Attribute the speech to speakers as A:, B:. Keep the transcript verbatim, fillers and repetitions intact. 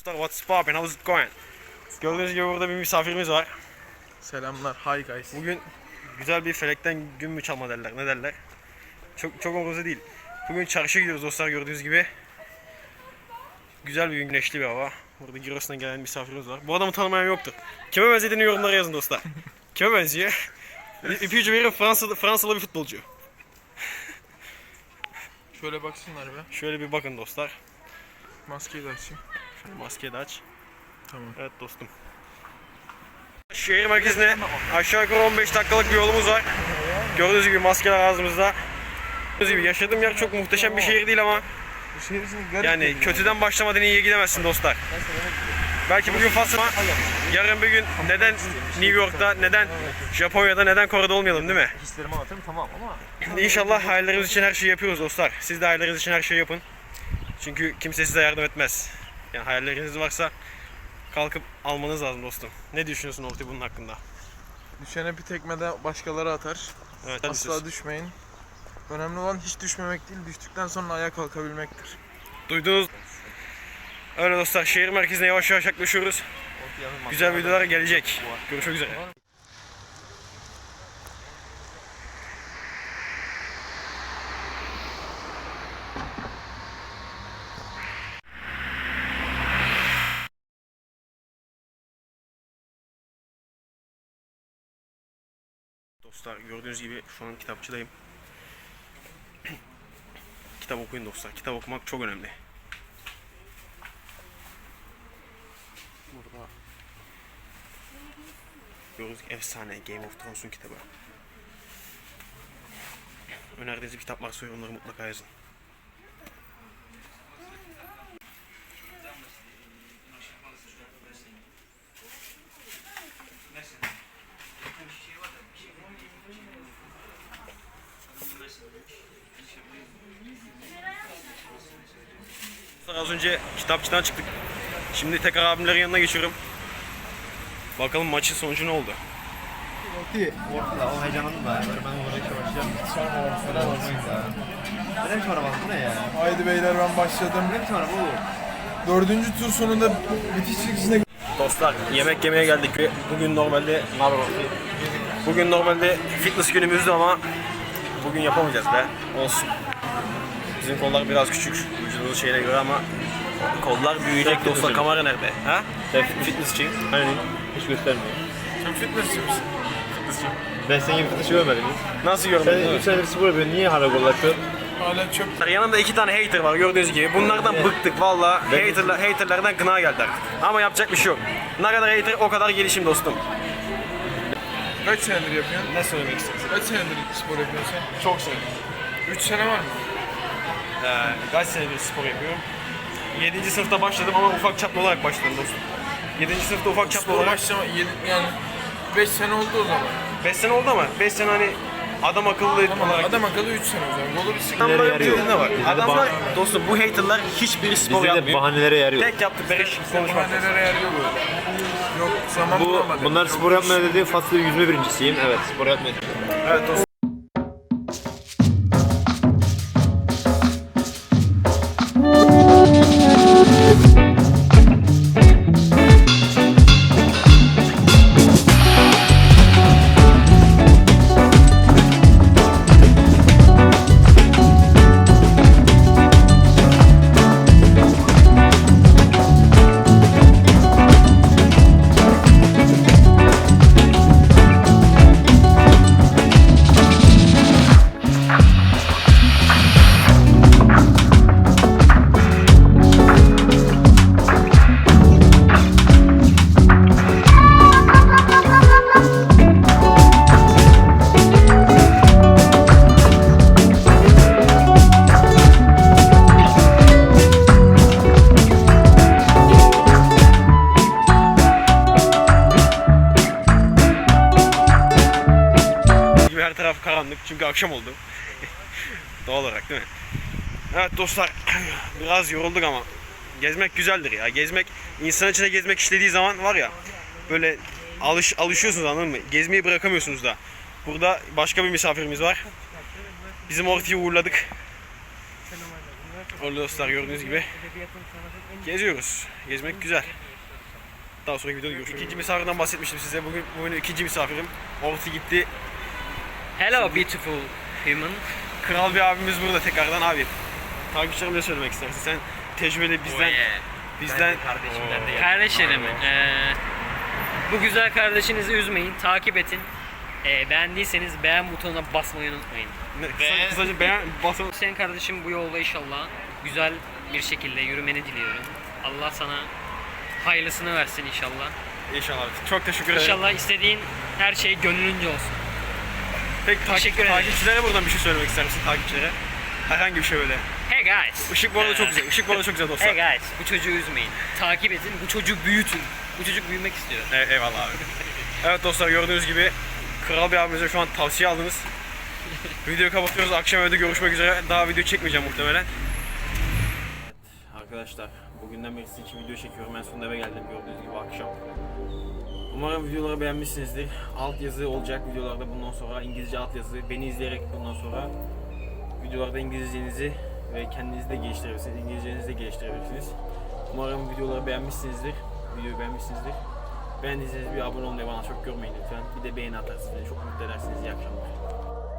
A: What's poppin'? How's it going? Gördüğünüz gibi burada bir misafirimiz var.
B: Selamlar, hi guys.
A: Bugün güzel bir felekten gün mü çalma derler, ne derler? Çok çok umurumuzda değil. Bugün çarşıya gidiyoruz dostlar, gördüğünüz gibi. Güzel bir gün, güneşli bir hava. Burada Giros'tan gelen misafirimiz var. Bu adamı tanımayan yoktur. Kime benzediğini yorumlara yazın dostlar. Kime benziyor? İpucu verin, Fransalı, Fransalı bir futbolcu.
B: Şöyle baksınlar be.
A: Şöyle bir bakın dostlar.
B: Maskeyi de açayım.
A: Şöyle maskeyi de aç.
B: Tamam.
A: Evet dostum. Şehir merkezine aşağı yukarı on beş dakikalık bir yolumuz var. Gördüğünüz gibi maskeler ağzımızda. Gördüğünüz gibi yaşadığım yer çok muhteşem bir şehir değil ama
B: Bu şehir için garip
A: yani
B: değil
A: kötüden başlamadan iyiye gidemezsin dostlar. Belki bugün fasıl ama yarın bir gün neden New York'ta, neden Japonya'da, neden Kore'de olmayalım değil mi?
C: Hislerimi anlatırım tamam ama
A: İnşallah hayallerimiz için her şeyi yapıyoruz dostlar. Siz de hayalleriniz için her şeyi yapın. Çünkü kimse size yardım etmez. Yani hayalleriniz varsa kalkıp almanız lazım dostum. Ne düşünüyorsun Orti bunun hakkında?
B: Düşene bir tekme de başkaları atar.
A: Evet,
B: Asla düşmeyin. Önemli olan hiç düşmemek değil, düştükten sonra ayağa kalkabilmektir.
A: Duydunuz. Öyle dostlar, şehir merkezine yavaş yavaş yaklaşıyoruz. Güzel videolar gelecek. Görüşmek üzere. Dostlar gördüğünüz gibi şu an kitapçıdayım. Kitap okuyun dostlar. Kitap okumak çok önemli. Burada gördüğünüz gibi efsane Game of Thrones'un kitabı. Önerdiğiniz bir kitap varsa yorumları mutlaka yazın. Az önce kitapçıdan çıktık. Şimdi tekrar abimlerin yanına geçiyorum. Bakalım maçın sonucu ne oldu?
C: o heyecanlandım da ben oraya çalışacağım. Sonra olmayız ya. Neden sonra bak bu ne ya?
B: Haydi beyler ben başladım.
C: Ne sonra bu?
B: Dördüncü tur sonunda bitiş çıkışına
A: Dostlar yemek yemeye geldik ve bugün normalde Bugün normalde fitness günümüzdü ama bugün yapamayacağız be. Olsun. Bizim kollar biraz küçük vücudumuz şeyine göre ama kollar büyüyecek dostlar. Kamera nerede? Ha? Fitnessçi.
C: Hani hiç göstermiyor.
B: Sen fitnessçi misin?
C: Ben senin gibi fıtışı görmedim hiç.
A: Nasıl
C: Sen
A: görmedin?
C: üç senedir spor yapıyorsun, niye hala gol atıyorsun?
B: Hala çöp.
A: Yanımda iki tane hater var gördüğünüz gibi. Bunlardan bıktık valla. Haterlar, haterlardan gına geldi artık. Ama yapacak bir şey yok. Ne kadar hater o kadar gelişim dostum.
B: Kaç senedir yapıyorsun?
A: Ne söylemek istiyorsun?
B: Kaç senedir spor yapıyorsun sen?
A: Çok sevindim.
B: Üç sene var mı?
A: Ee, kaç senedir spor yapıyorum? yedinci sınıfta başladım ama ufak çaplı olarak başladım dostum. yedinci sınıfta ufak çaplı
B: Spor
A: olarak.
B: başlama yedi, yani beş sene oldu o zaman.
A: beş sene oldu ama beş sene hani adam akıllı
B: Tamam,
A: olarak.
B: adam akıllı üç sene o zaman. Golu bir sıkıntı.
A: Adamların
C: yarıyor.
A: bir ne var?
C: Bizde de
A: Adamlar
C: bah-
A: dostum bu haterlar hiçbiri spor
C: Bizde de
A: yapmıyor.
C: bahanelere yarıyor.
A: Tek yaptıkları iş konuşmak.
B: Bahanelere yarıyor böyle. Yok zaman
C: Bu,
B: bulamadım.
C: bunlar spor yapmaya dedi, faslı yüzme birincisiyim. Evet, spor yapmaya.
A: Evet dostum. Her taraf karanlık çünkü akşam oldu. Doğal olarak değil mi? Evet dostlar biraz yorulduk ama gezmek güzeldir ya. Gezmek, insan içine gezmek istediği zaman var ya böyle alış, alışıyorsunuz anladın mı? Gezmeyi bırakamıyorsunuz da. Burada başka bir misafirimiz var. Bizim Orti'yi uğurladık. Orada dostlar gördüğünüz gibi geziyoruz. Gezmek güzel. Daha sonraki videoda görüşürüz. İkinci misafirden bahsetmiştim size. Bugün bugün ikinci misafirim. Orti gitti.
D: Hello beautiful human.
A: Kral bir abimiz burada tekrardan abi. Takipçilerime ne söylemek istersin? Sen tecrübeli bizden bizden
C: Kardeşimden de geldim.
D: Kardeşlerim, eee, bu güzel kardeşinizi üzmeyin, takip edin. Eee, beğendiyseniz beğen butonuna basmayı unutmayın.
A: ne, kısa, kısaca beğen basın.
D: Senin kardeşim bu yolda inşallah güzel bir şekilde yürümeni diliyorum. Allah sana hayırlısını versin inşallah.
A: İnşallah. Çok teşekkür ederim.
D: İnşallah istediğin her şey gönlünce olsun.
A: Peki takip,
D: Teşekkür ederim.
A: takipçilere buradan bir şey söylemek ister misin takipçilere? Herhangi bir şey böyle.
D: Hey guys.
A: Işık bu arada çok
D: Eee,
A: güzel. Işık bu arada çok güzel dostlar.
D: Hey guys, bu çocuğu üzmeyin. Takip edin, bu çocuğu büyütün. Bu çocuk büyümek istiyor.
A: Evet, eyvallah abi. Evet dostlar gördüğünüz gibi Kral bir abimize şu an tavsiye aldınız. Videoyu kapatıyoruz. Akşam evde görüşmek üzere. Daha video çekmeyeceğim muhtemelen. Evet arkadaşlar bugünden beri sizin için video çekiyorum. En sonunda eve geldim gördüğünüz gibi akşam. Umarım videoları beğenmişsinizdir. Alt yazı olacak videolarda bundan sonra. İngilizce alt yazı. Beni izleyerek bundan sonra videolarda İngilizcenizi ve kendinizi de geliştirebilirsiniz. İngilizcenizi de geliştirebilirsiniz. Umarım videoları beğenmişsinizdir. Videoyu beğenmişsinizdir. Beğendiyseniz bir abone olmayı bana çok görmeyin lütfen. Bir de beğeni atarsınız. Beni çok mutlu edersiniz. İyi akşamlar.